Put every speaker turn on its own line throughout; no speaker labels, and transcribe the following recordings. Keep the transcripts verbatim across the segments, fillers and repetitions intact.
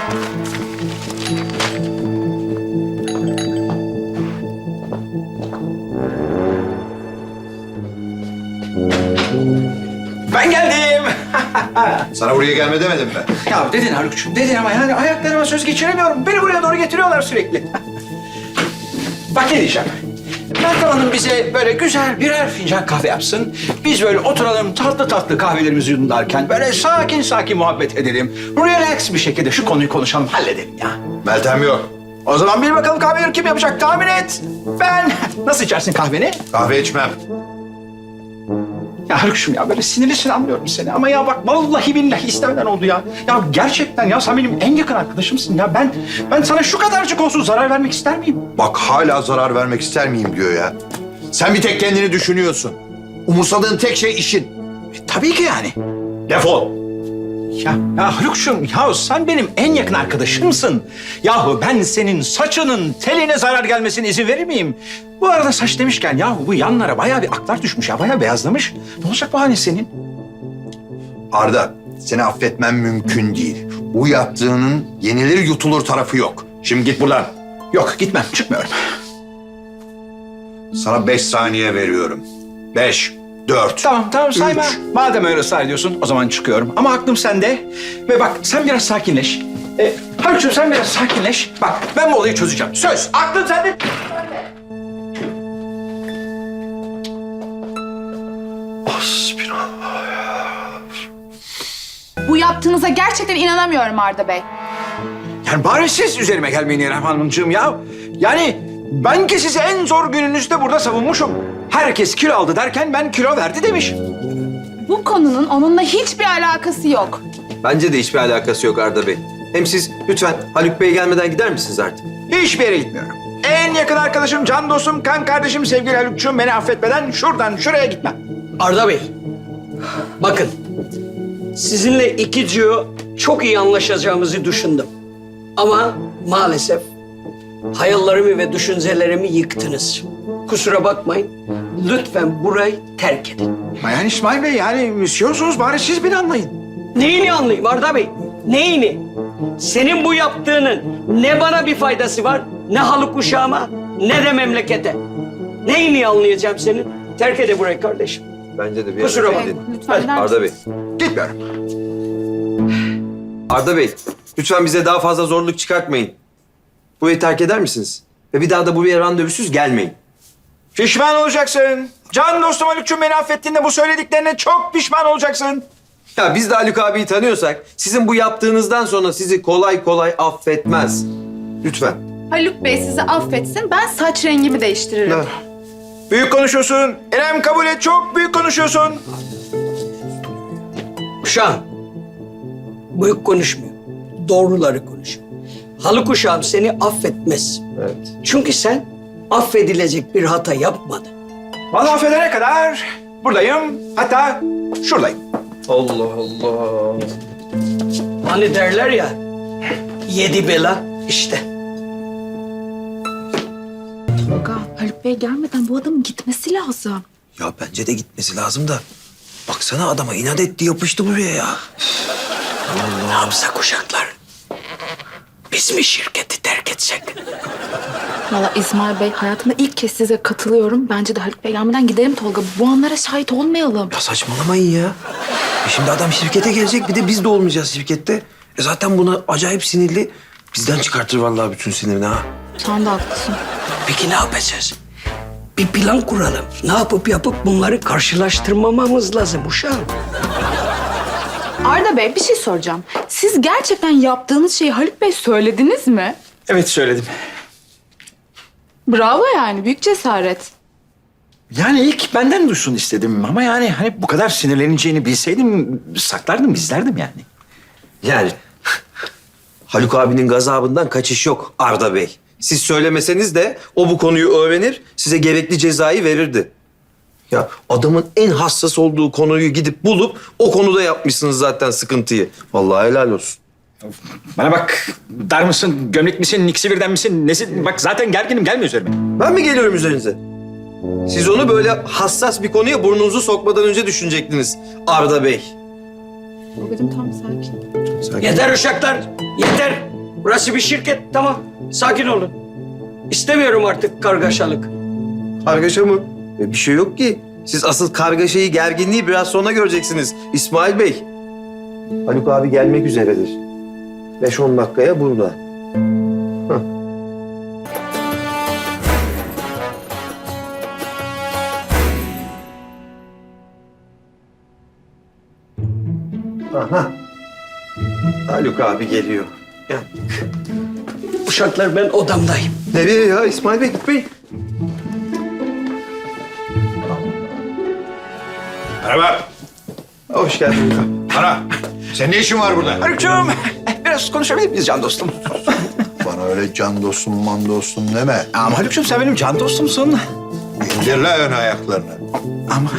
Ben geldim.
Sana buraya gelme demedim mi?
Ya dedin Haluk'cum, dedin ama yani ayaklarıma söz geçiremiyorum. Beni buraya doğru getiriyorlar sürekli. Bak ne diyeceğim. Meltem Hanım bize böyle güzel birer fincan kahve yapsın. Biz böyle oturalım tatlı tatlı kahvelerimizi yudumlarken böyle sakin sakin muhabbet edelim. Relax bir şekilde şu konuyu konuşalım, halledelim ya.
Meltem yok.
O zaman bil bakalım kahveleri kim yapacak, tahmin et. Ben. Nasıl içersin kahveni?
Kahve içmem.
Ya Haluk'cum ya böyle sinirlisin, anlıyorum seni ama ya bak vallahi billahi istemeden oldu ya. Ya gerçekten ya sen benim en yakın arkadaşımsın ya. Ben ben sana şu kadarcık olsun zarar vermek ister miyim?
Bak hala zarar vermek ister miyim diyor ya. Sen bir tek kendini düşünüyorsun. Umursadığın tek şey işin.
E, tabii ki yani.
Defol.
Ya, ya Haluk'cum ya sen benim en yakın arkadaşımsın. Yahu ben senin saçının teline zarar gelmesine izin verir miyim? Bu arada saç demişken yahu bu yanlara bayağı bir aklar düşmüş ya, bayağı beyazlamış. Ne olacak bu halin senin?
Arda, seni affetmem mümkün değil. Bu yaptığının yenilir yutulur tarafı yok. Şimdi git buradan.
Yok gitmem, çıkmıyorum.
Sana beş saniye veriyorum. Beş, dört.
Tamam tamam sayma.
Üç.
Madem öyle ısrar ediyorsun o zaman çıkıyorum. Ama aklım sende. Ve bak sen biraz sakinleş. Ee, Haluk'cum sen biraz sakinleş. Bak ben bu olayı çözeceğim. Söz. Aklım sende.
Bu yaptığınıza gerçekten inanamıyorum Arda Bey.
Yani bari siz üzerime gelmeyin İrem Hanımcığım ya. Yani ben ki sizi en zor gününüzde burada savunmuşum. Herkes kilo aldı derken ben kilo verdi demiş.
Bu konunun onunla hiçbir alakası yok.
Bence de hiçbir alakası yok Arda Bey. Hem siz lütfen Haluk Bey gelmeden gider misiniz artık?
Hiçbir yere gitmiyorum. En yakın arkadaşım, can dostum, kan kardeşim sevgili Haluk'cum beni affetmeden şuradan şuraya gitmem.
Arda Bey, bakın sizinle iki ciyo çok iyi anlaşacağımızı düşündüm. Ama maalesef hayallerimi ve düşüncelerimi yıktınız. Kusura bakmayın, lütfen burayı terk edin.
Ama yani İsmail Bey yani müsyorsunuz bari siz beni anlayın.
Neyini anlayayım Arda Bey, neyini? Senin bu yaptığının ne bana bir faydası var, ne Haluk uşağıma, ne de memlekete. Neyini anlayacağım senin? Terk ede burayı kardeşim.
Bence de bir
Kusura
ara
bakmayın.
gidin.
Lütfen gider
Arda Bey.
misiniz?
Gitmiyorum.
Arda Bey, lütfen bize daha fazla zorluk çıkartmayın. Burayı terk eder misiniz? Ve bir daha da buraya randevusuz gelmeyin.
Pişman olacaksın. Can dostum Haluk'cum beni affettiğinde bu söylediklerine çok pişman olacaksın.
Ya biz de Haluk abiyi tanıyorsak sizin bu yaptığınızdan sonra sizi kolay kolay affetmez. Lütfen.
Haluk Bey sizi affetsin, ben saç rengimi değiştiririm.
Ha.
Büyük konuşuyorsun. İrem kabul et, çok büyük konuşuyorsun.
Uşağım, büyük konuşmuyor. Doğruları konuşuyor. Haluk uşağım seni affetmez.
Evet.
Çünkü sen affedilecek bir hata yapmadın.
Vallahi affedene kadar buradayım. Hatta şuradayım.
Allah Allah.
Hani derler ya, yedi bela işte.
Tolga, Haluk Bey gelmeden bu adamın gitmesi lazım.
Ya bence de gitmesi lazım da. Baksana adama inat etti yapıştı buraya ya.
Ne yapsak uşaklar? Biz mi şirketi terk etsek?
Valla İsmail Bey, hayatımda ilk kez size katılıyorum. Bence de Haluk Bey gelmeden gidelim Tolga. Bu anlara şahit olmayalım.
Ya saçmalamayın ya. E şimdi adam şirkete gelecek bir de biz de olmayacağız şirkette. E zaten buna acayip sinirli. Bizden çıkartır vallahi bütün sinirini ha.
Sen de haklısın.
Peki ne yapacağız? Bir plan kuralım. Ne yapıp yapıp bunları karşılaştırmamamız lazım uşağım.
Arda Bey bir şey soracağım. Siz gerçekten yaptığınız şeyi Haluk Bey söylediniz mi?
Evet söyledim.
Bravo yani, büyük cesaret.
Yani ilk benden duysun istedim ama yani hani bu kadar sinirleneceğini bilseydim saklardım, gizlerdim yani.
Yani Haluk abinin gazabından kaçış yok Arda Bey. Siz söylemeseniz de o bu konuyu öğrenir, size gerekli cezayı verirdi. Ya adamın en hassas olduğu konuyu gidip bulup o konuda yapmışsınız zaten sıkıntıyı. Vallahi helal olsun.
Bana bak, dar mısın, gömlek misin, ikisi birden misin, nesin? Bak zaten gerginim, gelme üzerime.
Ben mi geliyorum üzerinize? Siz onu böyle hassas bir konuya burnunuzu sokmadan önce düşünecektiniz Arda Bey.
Tolga'cığım tam sakin.
Sakin.
Yeter uşaklar, yeter. Burası bir şirket, tamam. Sakin olun. İstemiyorum artık kargaşalık.
Kargaşa mı? E, bir şey yok ki. Siz asıl kargaşayı, gerginliği biraz sonra göreceksiniz İsmail Bey. Haluk abi gelmek üzeredir. Beş on dakikaya burada. Hah. Aha. Haluk abi geliyor. Gel.
Uşaklar, ben odamdayım.
Nereye ya İsmail Bey? Bey.
Merhaba.
Hoş geldin.
Ana, senin ne işin var burada?
Haluk'cum biraz konuşabilir miyiz can dostum?
Bana öyle can dostum, man dostum deme.
Ama Haluk'cum sen benim can dostumsun.
İndir la ön ayaklarını.
Ama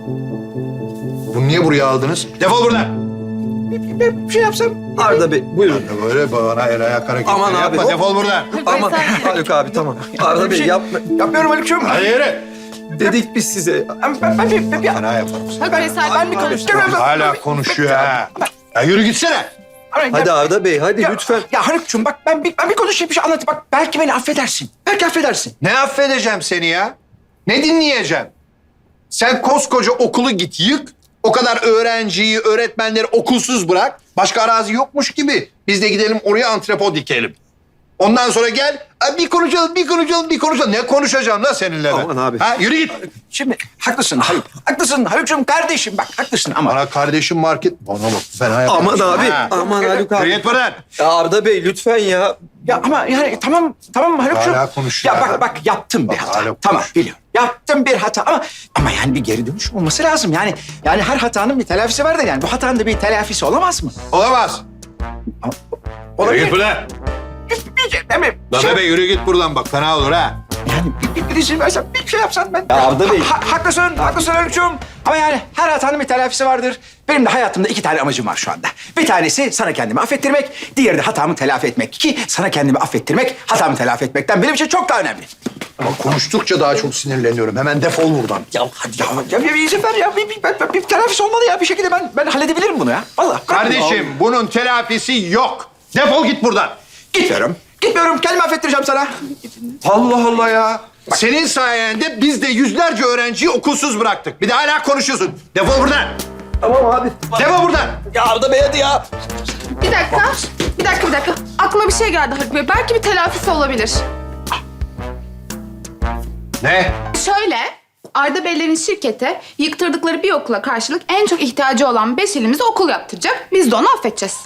Bunu niye buraya aldınız? Defol buradan.
bir şey yapsam...
Arda Bey buyurun.
Ya böyle bana el ayak hareketleri
Aman abi,
yapma.
hop.
Defol buradan.
Aman Haluk abi tamam. Arda
Bir
Bey
şey
yapma.
Yapmıyorum Haluk'cum.
Hadi yürü.
Dedik biz size.
Ben, ben, ben, bir- ben, bir-
Fena yaparım seni.
Ben, ben, ben bir konuşacağım.
Hala konuşuyor ha. Ya yürü gitsene.
Hadi Arda Bey hadi
Ya-
lütfen.
Ya Haluk'cum bak ben bir, ben bir konuşayım bir şey anlatayım. Bak belki beni affedersin. Belki affedersin.
Ne affedeceğim seni ya? Ne dinleyeceğim? Sen koskoca okulu git yık. O kadar öğrenciyi, öğretmenleri okulsuz bırak. Başka arazi yokmuş gibi. Biz de gidelim oraya antrepo dikelim. Ondan sonra gel "Aa, bir konuşalım, bir konuşalım, bir konuşalım. Ne konuşacağım la seninle ben?
Aman abi.
Ha, yürü git.
Şimdi haklısın Haluk. Haklısın Haluk'cum kardeşim bak haklısın ama...
Bana kardeşim market... Bana bak fena yaparım.
Aman abi.
Ha.
Aman Haluk
Yürü
abi.
git buradan.
Ya Arda Bey lütfen ya.
Ya ama yani tamam tamam Haluk'cum.
Hala konuşuyor
Ya
ha.
bak bak yaptım bir
Bak,
hata.
hala
Tamam
konuşuyor.
biliyorum. Yaptım bir hata ama ama yani bir geri dönüş olması lazım. Yani yani her hatanın bir telafisi vardır yani. Bu hatanın da bir telafisi olamaz mı?
Olamaz. Yürü git buradan.
Bir şey değil mi?
La
Şey-
bebe yürü git buradan bak fena olur ha.
Yani bir, bir, bir izin versen bir şey yapsan ben...
Ya Arda Bey.
Ha- haklısın, haklısın Haluk'cum. Ama yani her hatanın bir telafisi vardır. Benim de hayatımda iki tane amacım var şu anda. Bir tanesi sana kendimi affettirmek, diğeri de hatamı telafi etmek. Ki sana kendimi affettirmek, hatamı telafi etmekten benim için çok daha önemli.
Ama konuştukça daha çok sinirleniyorum. Hemen defol buradan.
Ya hadi ya, ya bir, bir izin ver ya. Bir, bir, bir, bir telafisi olmalı ya. Bir şekilde ben ben halledebilirim bunu ya. Vallahi.
Kardeşim bunun telafisi yok. Defol git buradan.
Gitmiyorum. Gitmiyorum. Kendimi affettireceğim sana.
Allah Allah ya. Senin sayende biz de yüzlerce öğrenciyi okulsuz bıraktık. Bir de hala konuşuyorsun. Defol buradan.
Tamam abi.
Defol buradan.
Ya Arda Bey hadi ya.
Bir dakika. Bir dakika bir dakika. Aklıma bir şey geldi Haluk Bey. Belki bir telafisi olabilir.
Ne?
Şöyle, Arda Beylerin şirketi yıktırdıkları bir okula karşılık en çok ihtiyacı olan beş ilimize okul yaptıracak. Biz de onu affedeceğiz.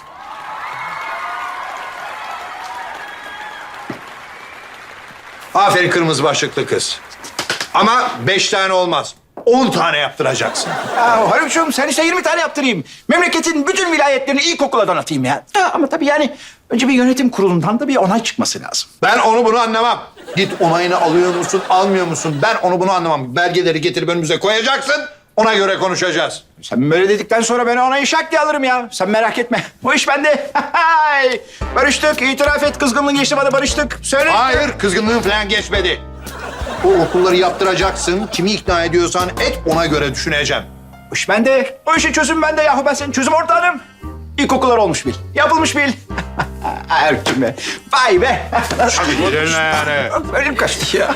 Aferin kırmızı başlıklı kız. Ama beş tane olmaz. On tane yaptıracaksın.
Ya Haluk'cum sen işte yirmi tane yaptırayım. Memleketin bütün vilayetlerini ilkokula donatayım ya. ya. Ama tabii yani önce bir yönetim kurulundan da bir onay çıkması lazım.
Ben onu bunu anlamam. Git onayını alıyor musun, almıyor musun? Ben onu bunu anlamam. Belgeleri getirip önümüze koyacaksın. Ona göre konuşacağız.
Sen böyle dedikten sonra ben onayı şak diye alırım ya. Sen merak etme. O iş bende. Barıştık. İtiraf et. Kızgınlığın geçti bana barıştık. Söyle.
Hayır, kızgınlığın falan geçmedi. O okulları yaptıracaksın. Kimi ikna ediyorsan et, ona göre düşüneceğim.
O iş bende. O işin çözümü bende yahu. Ben senin çözüm ortağınım. İlkokullar olmuş bil. Yapılmış bil. Erkin be. Vay be.
Gidelim yani.
Ölüm kaçtı ya.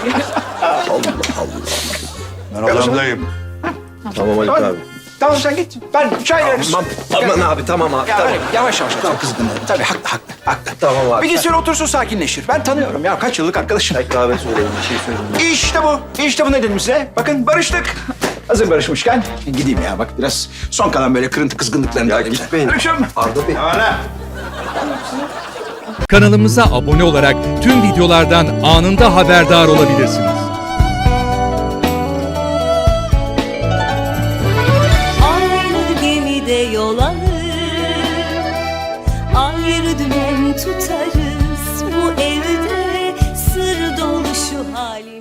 Ben odamdayım.
Tamam Haluk
Tamam,
abi.
tamam sen git. Ben çay veririm.
Tamam, aman abi tamam abi.
Ya
tamam.
öyle yavaş yavaş. Tamam. Kızgınlığı. Tabii haklı haklı. haklı.
Tamam abi.
Bir gitsin otursun sakinleşir. Ben tanıyorum ya. Kaç yıllık arkadaşım.
Kahve söyleyin bir şey söyleyin.
İşte bu. İşte bu ne dedim size. Bakın barıştık. Hazır barışmışken gideyim ya. Bak biraz son kalan böyle kırıntı kızgınlıklarını da
Ya
alayım.
gitmeyin.
Barışım.
Arda Bey.
Hala.
Kanalımıza abone olarak tüm videolardan anında haberdar olabilirsiniz.
Aynı gemide yol alır, ayrı dümen tutarız. Bu evde sır dolu şu halimiz.